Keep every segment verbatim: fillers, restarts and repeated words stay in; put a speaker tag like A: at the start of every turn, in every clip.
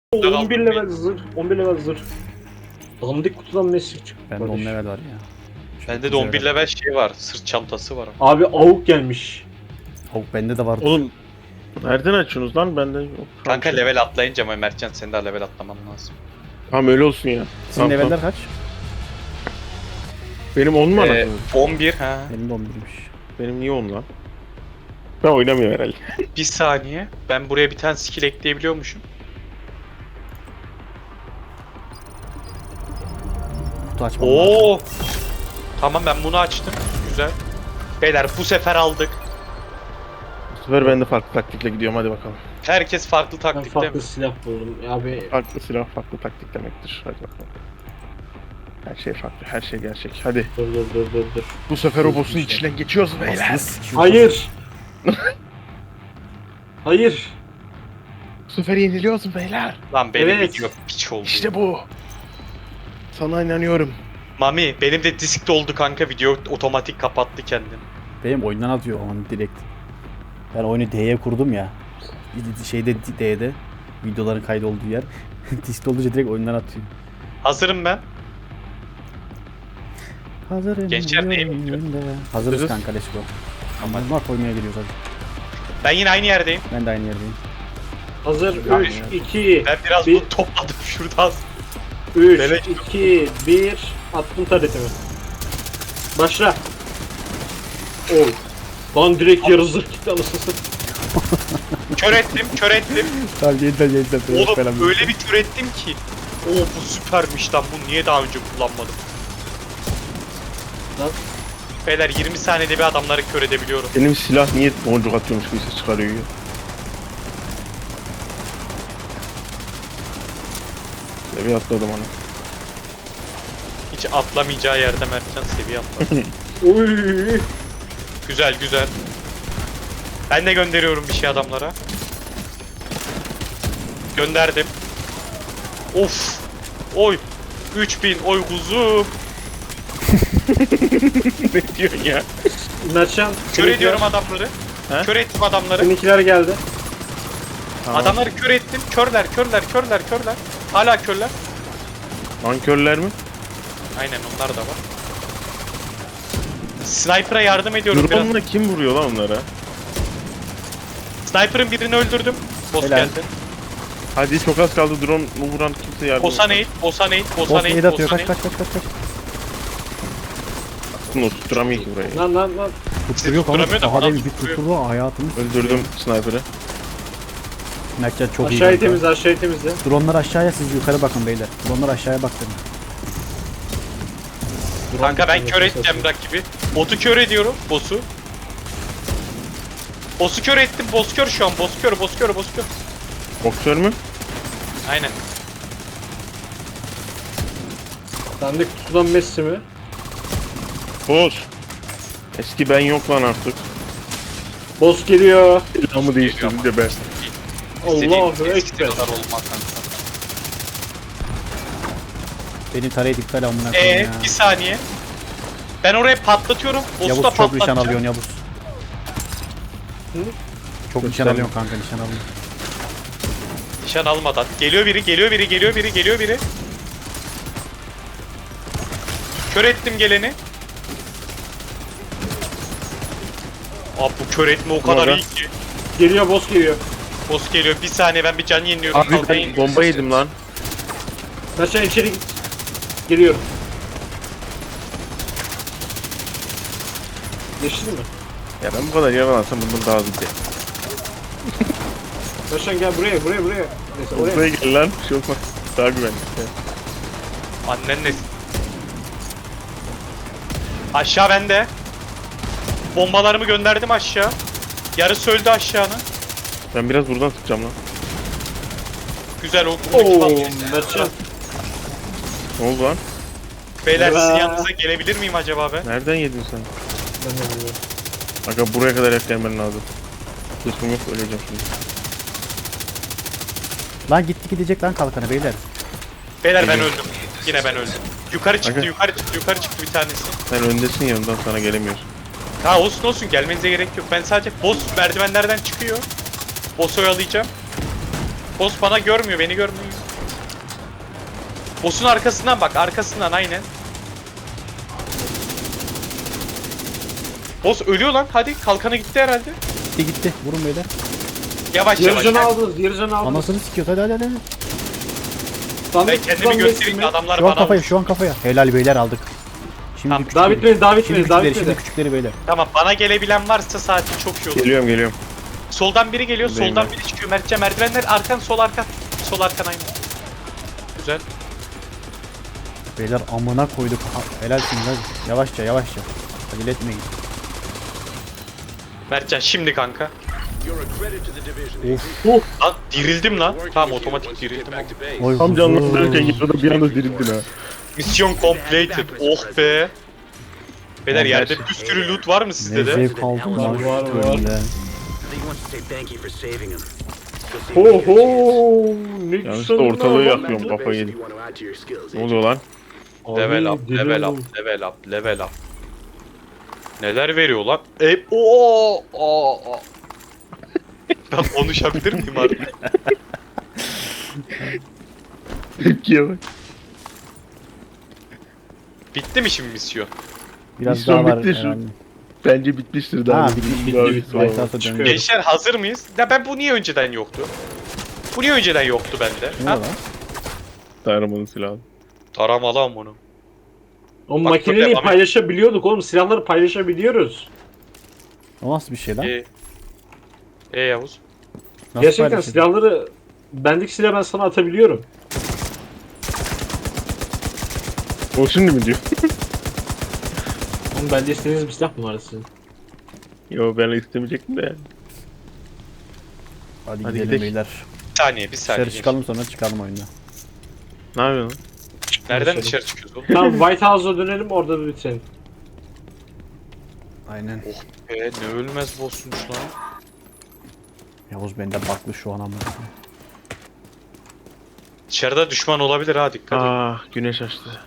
A: on bir level zırh, on bir level zırh. Dandik kutudan mesaj çıktı.
B: Bende on level var ya.
C: Bende de on bir level şey var. Sırt çantası var.
A: Abi avuk gelmiş.
B: Avuk bende de var.
D: Oğlum nereden açıyorsunuz lan? Bende yok.
C: Kanka level atlayınca ama Mertcan senin daha level atlaman lazım.
D: Tamam öyle olsun ya.
B: Sizin
D: Tamam,
B: leveller
D: tamam.
B: kaç?
D: Benim on mu
C: Ee,
D: anasını?
C: on bir ha.
B: Benim de on birmiş.
D: Benim niye on lan? Ben oynamıyorum herhalde.
C: Bir saniye. Ben buraya bir tane skill ekleyebiliyormuşum.
B: Kutu açmam lazım.
C: Oo. Tamam ben bunu açtım. Güzel. Beyler bu sefer aldık.
D: Bu sefer ben de farklı taktikle gidiyorum, hadi bakalım.
C: Herkes farklı
A: Ben
C: taktikte
A: farklı
C: mi?
A: silah buldum. Abi
D: Farklı silah farklı taktik demektir. Hadi bakalım. Her şey farklı, her şey gerçek. Hadi.
A: dur dur dur dur dur.
D: Bu sefer o boss'un içinden geçiyoruz beyler.
B: Aslında sikiyor.
A: Hayır. Hayır.
D: Bu sefer yeniliyoruz beyler.
C: Lan benim
A: Evet.
C: video piç oldu.
D: İşte bu. Sana inanıyorum.
C: Mami benim de disk doldu kanka, video otomatik kapattı kendini.
B: Benim oyundan atıyor onu direkt. Ben oyunu D'ye kurdum ya. Şeyde D'de videoların kaydolduğu yer. Disk olunca direkt oyundan atıyor.
C: Hazırım ben.
B: Hazırım.
C: Gençler neye
B: diyorum
C: bekliyor?
B: önünde. Hazırız
D: Hazırız.
B: kanka, let's go. Ama bunlar koymaya geliyoruz hadi.
C: Ben yine aynı yerdeyim.
B: Ben de aynı yerdeyim.
A: Hazır.
C: Abi,
A: üç, iki,
C: Ben biraz
A: Bir-
C: bunu topladım şuradan.
A: üç,
C: Melek-
A: iki, bir. Attım taretimi. Başla. Oy. Lan direkt yarı zırh gitti anasını satayım.
C: Kör ettim, kör ettim.
B: Tamam yeniden yeniden.
C: Oğlum öyle bir kör ettim ki. Oo bu süpermiş lan, bunu niye daha önce kullanmadım?
A: Lan.
C: Beyler yirmi saniyede bir adamları kör edebiliyorum.
D: Benim silah niye boncuk atıyormuş gibi ses çıkarıyor ya. Seviye atladım ana.
C: Hiç atlamayacağı yerde Mertcan seviye atladı.
A: Oy.
C: Güzel güzel. Ben de gönderiyorum bir şey adamlara. Gönderdim. Of. Oy. üç bin oy kuzu.
D: Ne diyorsun ya?
A: Mertcan.
C: Kör ediyorum adamları.
D: He?
C: Kör ettim adamları.
A: Seninkiler geldi.
D: Tamam.
C: Adamları kör ettim. Körler, körler, körler, körler. Hala körler.
D: Nankörler mi?
C: Aynen onlar da var. Sniper'a yardım ediyorum biraz.
D: Drone'la kim vuruyor lan onlara?
C: Sniper'ın birini öldürdüm. Boss
B: Helal.
C: geldi.
D: Hadi çok az kaldı, drone vuran kimse yardım
C: Boss'a nade, boss'a nade, boss'a
B: Boss
C: nade,
B: nade atıyor.
C: boss'a
B: Kaç
C: nade.
B: kaç kaç kaç kaç.
D: Bunu tutturamıyor ki burayı.
A: Lan lan lan.
B: Tutturuyor
C: tutturamıyor da
B: kanka. Daha
C: bana
B: demin bir
C: tutturuyor.
B: tutturdu hayatımız.
D: Öldürdüm sniper'ı.
B: Mertcan çok iyi.
A: Aşağıyı
B: kanka.
A: temizle, aşağıyı temizle.
B: Dronlar aşağıya, siz yukarı bakın beyler. Dronlar aşağıya bak dedim.
C: Kanka ben kör edeceğim rakibi. Botu kör ediyorum, boss'u. Boss'u kör ettim, boss kör şu an. Boss kör, boss kör, boss kör.
D: Boksör mü?
C: Aynen.
A: Dandik kutudan Messi mi?
D: Boss. Eski ben yok lan artık.
A: Boss geliyor.
D: Silahımı değiştirdim de ben.
A: Allahu
C: İstediğin
A: Ekber.
C: kadar olmaz kanka.
B: Benim tarayı iptal amına koyayım
C: Eee
B: ya.
C: bir saniye. Ben oraya patlatıyorum. Boss'u
B: Yavuz
C: da
B: çok nişan
C: patlatacağım.
B: alıyorsun Yavuz.
A: Hı?
B: Çok nişan
D: sen-
B: alıyorsun kanka, nişan alıyorsun.
C: Nişan almadan. Geliyor biri, geliyor biri, geliyor biri, geliyor biri. Kör ettim geleni. Abi bu kör etme o kadar
D: Nerede?
C: iyi ki.
A: Geliyor, boss geliyor.
C: Boss geliyor. Bir saniye ben bir can yeniliyorum.
D: Abi ben bomba yedim lan.
A: Mertcan içeri git. Geliyorum. Geçti mi?
D: Ya ben bu kadar yaralansam bundan daha hızlı giderim.
A: Mertcan gel buraya, buraya, buraya. Neyse oraya.
D: Buraya gel lan. Bir şey olmaz. Daha güvenli.
C: Annen ne? Aşağı bende. Bombalarımı gönderdim aşağı. Yarısı öldü aşağının.
D: Ben biraz buradan tutacağım lan.
C: Güzel o. buradaki
A: Oo,
C: patlayıcı.
A: Mertcan.
D: Ne oldu lan?
C: Beyler sizin
A: Aa.
C: yanınıza gelebilir miyim acaba ben?
D: Nereden yedin sen?
A: Ben de bilmiyorum.
D: Aga buraya kadar et gelmen lazım. Kısmım yok, öleceğim şimdi.
B: Lan gitti gidecek lan kalkanı beyler.
C: Beyler ben
D: Geliyor.
C: öldüm. Yine ben öldüm. Yukarı çıktı,
D: Aga.
C: yukarı çıktı, yukarı çıktı bir tanesi.
D: Sen öndesin ya, ondan sana gelemiyorsun.
C: Ha olsun olsun, gelmenize gerek yok. Ben sadece boss merdivenlerden çıkıyor. Boss'u oyalayacağım. Boss bana görmüyor, beni görmüyor. Boss'un arkasından bak, arkasından aynen. Boss ölüyor lan, hadi kalkanı gitti herhalde.
B: Gitti gitti. Vurun beyler.
C: Yavaş yavaş.
A: Yarıcanı aldınız, yarıcanı aldınız.
B: Anasını sikiyor. Hadi hadi hadi.
A: Sandık
C: Ben kendimi
A: tutan
C: göstereyim de
A: resmi.
C: adamlar
B: Şu an
C: bana
B: kafaya
C: vursun.
B: şu an kafaya. Helal beyler aldık. Şimdi
C: Tamam,
B: küçükleri.
A: Daha bitmedi, daha
B: Şimdi
A: bitmedi, daha
B: küçükleri, şimdi
A: bitmedi.
B: küçükleri beyler.
C: Tamam, bana gelebilen varsa saati çok iyi olur.
D: Geliyorum geliyorum.
C: Soldan biri geliyor,
D: Buradayım
C: soldan
D: ben.
C: biri çıkıyor. Mertcan merdivenler, arkan sol arkan. Sol arkan aynen. Güzel.
B: Beyler amına koyduk. Ha, helalsiniz hadi. Yavaşça yavaşça. Acele etmeyin.
C: Mertcan şimdi kanka.
B: Of.
C: Lan dirildim lan. Tamam, otomatik dirildim.
B: Oy,
D: Tam
B: huzur.
D: canlandırırken yarıda bir anda dirildin ha.
C: Misyon completed. Oh be. Beyler
D: Vallahi
C: yerde
D: şey-
C: bir sürü loot var mı
B: Ne
C: sizde de?
B: zevk aldım lan
A: Var,
B: şu
A: var, var.
B: bölümde.
A: Ho ho. Ne
D: Yanlışlıkla
A: güzel
D: ortalığı
A: lan.
D: yakıyorum, kafayı yedim. Ne oluyor lan?
A: Abi,
C: Level up,
A: deli
C: level
A: oğlum.
C: up, level up, level up. Neler veriyor lan? E o o. Ben konuşabilir miyim artık?
D: Tepkiye bak.
C: Bitti mi şimdi misyon?
B: Biraz
D: Misyon
B: daha var
D: bitti şu-
B: herhalde.
D: Bence bitmiştir daha.
B: Ha
D: Bir-
B: bitti
D: bir-
B: bitti
D: daha-
B: bitti.
D: daha-
B: White House'a
A: Çıkıyor.
B: döndü.
C: Gençler hazır mıyız? Ya ben bu niye önceden yoktu? Bu niye önceden yoktu bende?
B: Ne
C: Ha?
B: lan?
D: Tarımanın silahı.
C: Taramalı am bunu.
A: O
C: Bak,
A: makineyi
C: devam et.
A: paylaşabiliyorduk oğlum. Silahları paylaşabiliyoruz.
B: O nasıl bir şey lan?
C: E, e Yavuz.
B: Nasıl
A: Gerçekten
B: paylaşıldı?
A: silahları... Bendeki silahı ben sana atabiliyorum.
D: O şimdi mi diyor?
A: Oğlum bende istediğiniz bir silah mı var sizin?
D: Yo ben istemeyecektim de.
B: Hadi,
D: Hadi
B: gidelim
D: gidelim.
B: beyler.
C: Bir saniye, bir saniye.
B: Dışarı çıkalım sonra çıkalım oyundan.
D: Ne yapıyorsun?
C: Nereden
A: Dışarı.
C: dışarı çıkıyoruz oğlum?
A: Tamam White House'a dönelim orada bir bitirelim.
B: Aynen.
C: E ne ölmez boss'muş lan.
B: Yavuz bende baklı şu an ama.
C: Dışarıda düşman olabilir ha, dikkat et.
D: Ah güneş açtı.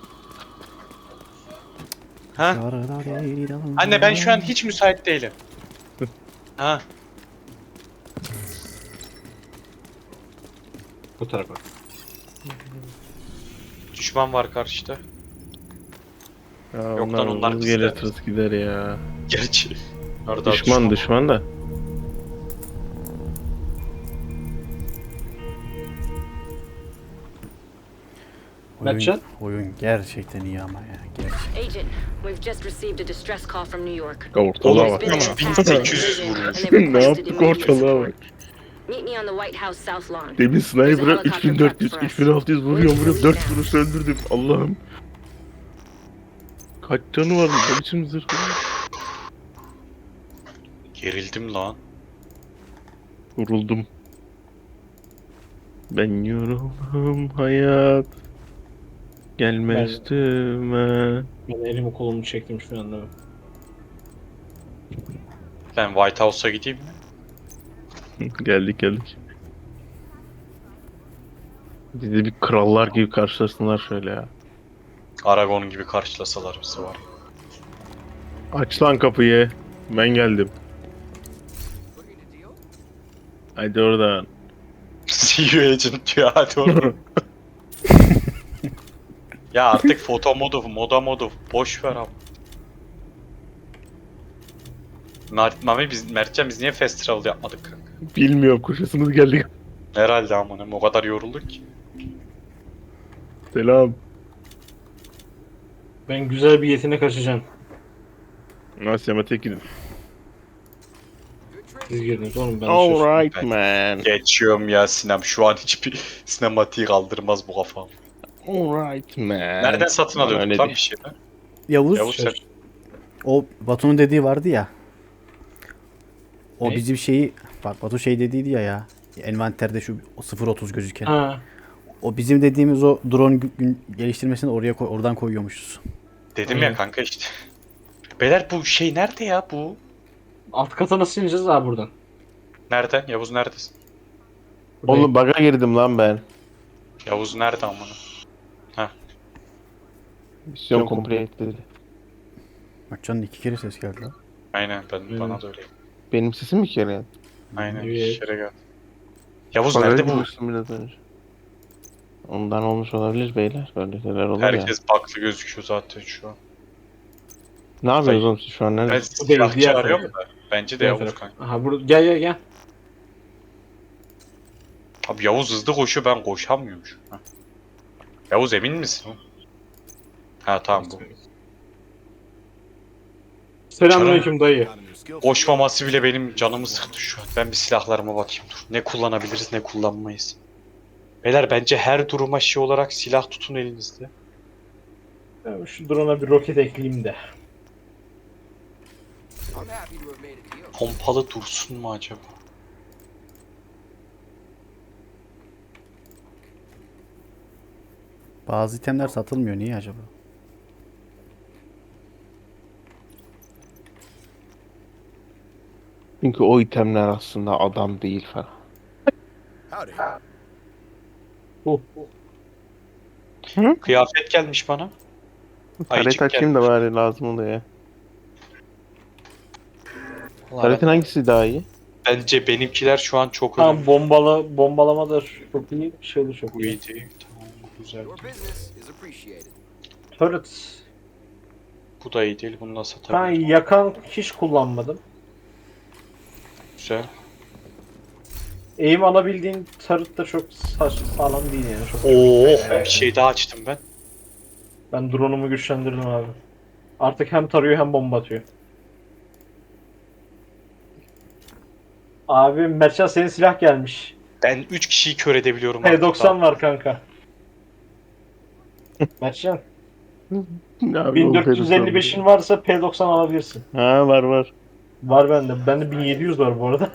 C: Ha? Anne ben şu an hiç müsait değilim. Ha?
A: Bu tarafa.
C: Düşman var karşıda.
D: Ya
C: Yok
D: onlar
C: lan, onlar
D: hız
C: bizde.
D: gelir tırıs gider ya.
C: Gerçi. Orada
D: Düşman düşman da.
B: Oyun,
A: Mertcan?
B: oyun gerçekten iyi ama ya. Gerçekten.
E: Agent, we've just received a distress call from New York.
D: Ortalığa
C: Oğlum,
D: bak.
E: There's been
C: bin
E: an attack
C: sekiz yüz
E: on the
C: vurmuş.
E: prison, and they
D: Ne
E: requested
D: yaptık
E: immediate
D: ortalığa bak.
E: support. Meet me on the White House South Lawn.
D: Demin sniper'a
E: There's a
D: üç bin dört yüz,
E: helicopter
D: üç bin altı yüz vuruyorum vuruyorum dört vuruş öldürdüm. Allah'ım. Kaç canı var mı? Ne biçim zırh?
C: Gerildim lan.
D: Vuruldum. Ben yoruldum hayat. Gelme
A: Ben-
D: üstüme.
A: Ben elimi kolumu çektim şu anda.
C: Ben White House'a gideyim mi?
D: Geldik geldik. Bizi bir krallar gibi karşılasınlar şöyle ya.
C: Aragon gibi karşılasalar bizi var.
D: Aç lan kapıyı. Ben geldim. Hadi oradan.
C: See you agent diyor, hadi oğlum. Ya artık foto modu, moda modu boş ver abi. Mert, Mami biz, Mertcan biz niye fast travel yapmadık kanka?
D: Bilmiyorum koşasımız geldi.
C: Herhalde amına, o kadar yorulduk ki.
D: Selam.
A: Ben güzel bir yetenek açacağım.
D: Asya'ma tek gidin.
A: Siz girdiniz oğlum ben dışarı.
D: Alright man.
C: Geçiyorum ya Sinem, şu an hiçbir sinematiği kaldırmaz bu kafam.
D: Alright man.
C: Nereden satın
D: Bana
C: alıyorduk
D: öyle
C: lan
D: değil.
C: bir şey mi?
B: Yavuz,
C: Yavuz sen
B: o Batu'nun dediği vardı ya. O
A: Ne?
B: bizim şeyi bak Batu şey dediydi ya ya. Envanterde şu sıfır otuz gözüken.
A: Ha.
B: O bizim dediğimiz o drone gü- gün geliştirmesini oraya koy, oradan koyuyormuşuz.
C: dedim
A: Aynen.
C: ya kanka işte. Beyler bu şey nerede ya bu?
A: Alt kata nasıl ineceğiz abi buradan?
C: Nereden? Yavuz neredesin?
D: Oğlum baga girdim lan ben.
C: Yavuz nerede amına?
D: Misyon complete dedi.
B: Bak canın iki kere ses geldi lan.
C: Aynen ben
A: Evet.
C: bana da öyle.
D: Benim sesim mi kere?
C: Aynen
A: Evet.
C: şere gel. Yavuz nerede bu?
D: Biraz önce. Ondan olmuş olabilir beyler. Böyle şeyler olur ya.
C: Herkes baklı gözüküyor zaten şu an.
D: Ne yapıyorsunuz oğlum siz şu an?
C: Ben
D: Nerede?
A: Bu değil,
C: silahçı
A: diğer
C: arıyorum
A: taraf.
C: da. Bence de
A: Diğer
C: Yavuz
A: taraf.
C: kanka.
A: Aha burada gel gel gel.
C: Abi Yavuz hızlı koşuyor, ben koşamıyorum şu an. Yavuz emin misin? Ha tamam bu.
A: Selamünaleyküm dayı.
C: Koşmaması bile benim canımı sıktı şu an. Ben bir silahlarıma bakayım dur. Ne kullanabiliriz ne kullanmayız. Beyler bence her duruma şey olarak silah tutun elinizde.
A: Ben şu drone'a bir roket ekleyeyim de.
C: Pompalı dursun mu acaba?
B: Bazı itemler satılmıyor. Niye acaba?
D: Çünkü o itemler aslında adam değil falan.
A: Bu.
C: Kıyafet gelmiş bana.
D: Taret
C: Ayıcık
D: açayım da
C: gelmiş.
D: bari lazım oluyor.
C: Vallahi
D: Taretin
C: ben-
D: hangisi daha iyi?
C: Bence benimkiler şu an çok
A: Tamam
C: önemli.
A: bombalı bombalama da çok iyi, şey de çok
C: Bu
A: iyi.
C: iyi değil. Tamam bu güzel.
F: Your business is appreciated.
A: Turret.
C: Bu da iyi değil. Bunu da
A: Ben
C: satabilirim.
A: yakan hiç kullanmadım.
C: Güzel.
A: Eğim alabildiğin turret da çok saç, sağlam değil yani. Çok
C: Oo, bir şey daha açtım ben.
A: Ben drone'umu güçlendirdim abi. Artık hem tarıyor hem bomba atıyor. Abi Mertcan senin silah gelmiş.
C: Ben üç kişiyi kör edebiliyorum.
A: P
C: artık
A: doksan
C: abi.
A: var kanka. Mertcan
D: Abi,
A: bin dört yüz elli beşin varsa P doksan alabilirsin.
D: Ha var var.
A: Var bende. Bende bin yedi yüz var bu arada.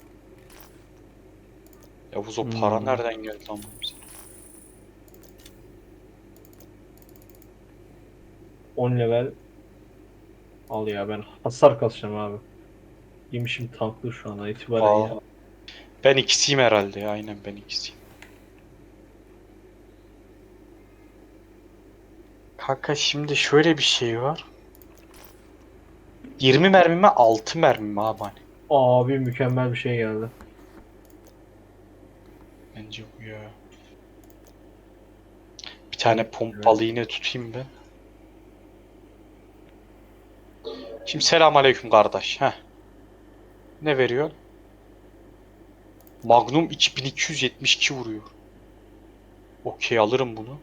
C: Yavuz o para
D: Hmm.
C: nereden geldi lan bize?
A: on level. Al ya ben hasar kasacağım abi. Yemişim tanklı şu anda itibaren
C: Aa,
A: ya.
C: ben ikisiyim herhalde ya. Aynen ben ikisiyim. Kanka şimdi şöyle bir şey var. yirmi mermi mi altı mermi mi abi hani?
A: Abi mükemmel bir şey geldi.
C: Bence bu ya. Bir tane pompalı yine tutayım ben. Şimdi selamünaleyküm kardeş. Heh. Ne veriyor? Magnum iki bin iki yüz yetmiş iki vuruyor. Okey alırım bunu.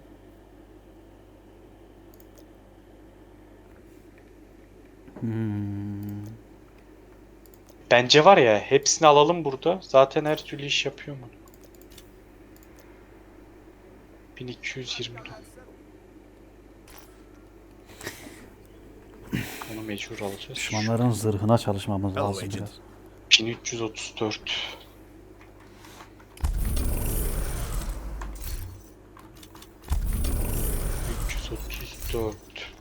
B: Hmm.
C: Bence var ya hepsini alalım burada. Zaten her türlü iş yapıyor mu? bin iki yüz yirmi dokuz. Onu mecbur alacağız.
B: Düşmanların zırhına çalışmamız lazım biraz.
C: bin üç yüz otuz dört. üç yüz otuz dört.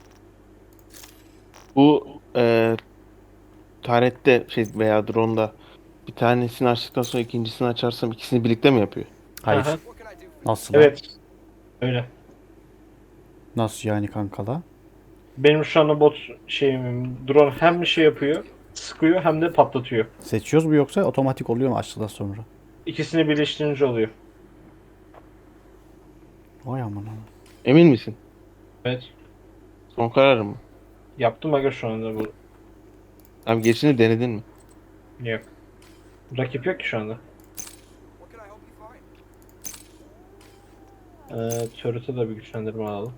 D: Bu e, tarette şey veya drone'da bir tanesini açtıktan sonra ikincisini açarsam ikisini birlikte mi yapıyor?
B: Hayır.
A: Aha.
F: What can I do for
B: Nasıl? lan?
A: Evet. Öyle.
B: Nasıl yani kankala?
A: Benim şu anda bot şeyim drone hem şey yapıyor, sıkıyor hem de patlatıyor.
B: Seçiyoruz mu yoksa otomatik oluyor mu açtıktan sonra?
A: İkisini birleştirince oluyor.
B: Vay amına.
D: Emin misin?
A: Evet.
D: Son kararın mı?
A: Yaptım aga şu anda bu.
D: Abi gerisini denedin mi?
A: Yok. Rakip yok ki şu anda.
F: what can I help you find?
A: Ee, turret'e de bir güçlendirme alalım.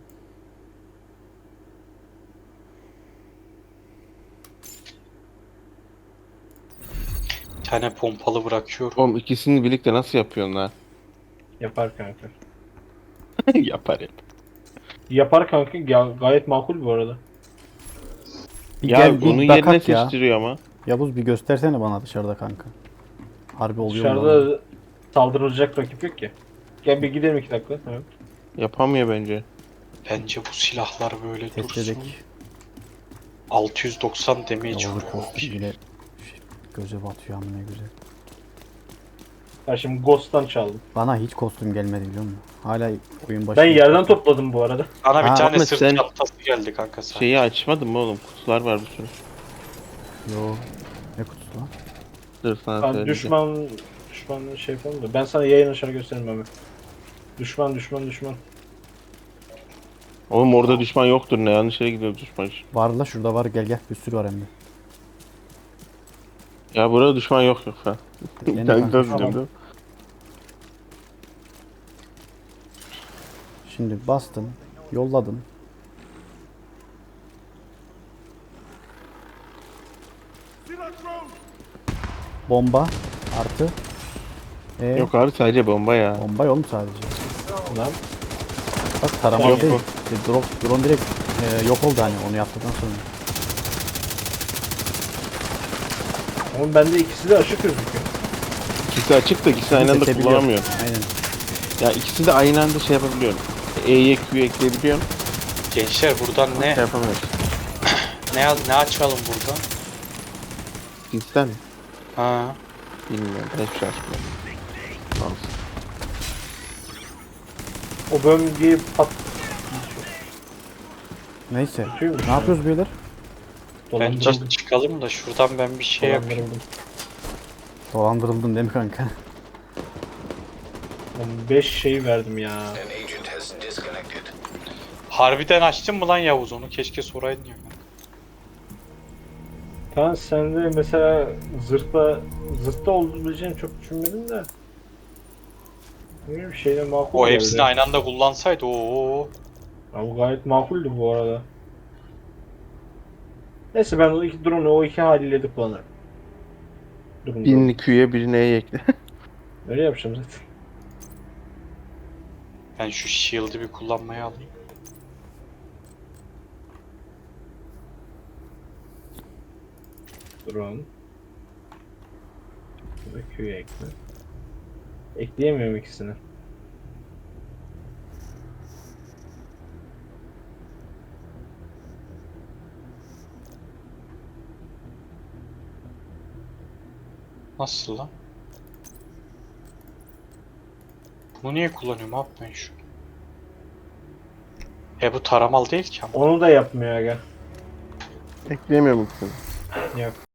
C: Bir tane pompalı bırakıyorum.
D: Oğlum ikisini birlikte nasıl yapıyorsun lan?
A: Yapar kanka.
D: Yapar yap.
A: Yapar kanka. Ya, gayet makul bu arada.
B: Bir
D: Ya
B: gel
D: bunun
B: bir
D: yerine
B: bakak ya.
D: seçtiriyor ama.
B: Yavuz bir göstersene bana dışarıda kanka. Harbi oluyor mu? lan?
A: Dışarıda saldırılacak rakip yok ki. Gel bir gidelim iki dakika. Evet.
D: Yapamıyor bence.
C: Bence bu silahlar böyle
B: Test
C: dursun.
B: edek.
C: altı yüz doksan damage
B: Yavuz'un
C: vuruyor.
B: kostüm bile şey, göze batıyor ama ne güzel.
A: Ben şimdi Ghost'tan çaldım.
B: Bana hiç kostüm gelmedi biliyor musun? Hala oyun başı.
A: Ben yerden topladım bu arada.
C: Bana bir
B: Ha,
C: tane
D: Ahmet,
C: sırt
D: sen-
C: çantası geldi kanka sen.
D: Şeyi açmadın mı oğlum? Kutular var bir sürü.
B: Yo. Ne kutusu lan?
D: Dur sana
A: Ben
D: söyleyeceğim.
A: düşman düşman şey yapalım da ben sana yayın açar gösteririm abi. Düşman düşman düşman.
D: Oğlum orada düşman yoktur, ne yanlış yere gidiyor düşman.
B: Var la şurada var, gel gel, bir sürü var hem de.
D: Ya burada düşman yok yok ha.
B: Yeni
D: Ben
B: kanka,
D: biraz
A: tamam.
D: biliyorum.
B: Şimdi bastın, yolladın. Bomba artı. E,
D: Yok abi sadece bomba ya.
B: bomba yok mu sadece?
A: Lan
B: Bak tarama
D: Yok
B: değil.
D: bu.
B: E, drone, drone direkt e, yok oldu hani onu yaptıktan sonra.
A: oğlum bende ikisi de açık gözüküyor.
D: İkisi açık da ikisini aynı anda
B: Seçebiliyor.
D: kullanamıyorum.
B: Aynen.
D: Ya ikisi de aynı anda şey yapabiliyorum. E'ye Q'ye ekleyebiliyorum.
C: Gençler buradan ne
D: Şey yapamıyorum.
C: ne ne açalım buradan?
D: Cinsten mi?
C: Ha.
D: Bilmiyorum. Ben hiçbir şey açmıyorum. Olsun.
A: O bölgeyi pat...
B: Neyse.
A: Kötüymüş
B: Ne
A: ya.
B: yapıyoruz beyler?
C: Bence
A: Dolandırıldım.
C: çıkalım da şuradan ben bir şey yapayım.
A: Dolandırıldım.
B: Dolandırıldın değil mi kanka?
A: beş şey verdim ya.
F: An agent has disconnected.
C: Harbiden açtın mı lan Yavuz onu? Keşke soraydın ya.
A: Tamam sen de mesela zırhta zırhta olabileceğini çok düşünmedim de. Ne bir şeyle makul
C: O
A: geldi.
C: hepsini aynı anda kullansaydı o.
A: Ya bu gayet makuldü bu arada. Neyse ben o iki drone'u o iki haliyle de kullanırım. Durumda.
D: Birini Q'ye birini E'ye ekle.
A: Öyle yapacağım zaten.
C: Ben şu shield'ı bir kullanmaya alayım.
A: Drone. Burada Q'ya ekle. Ekleyemiyorum ikisini.
C: Nasıl lan? Bunu niye kullanıyorum abi ben şu? E bu taramal değil ki ama.
A: Onu da yapmıyor aga.
D: Ekleyemiyorum ikisini.
A: Yok.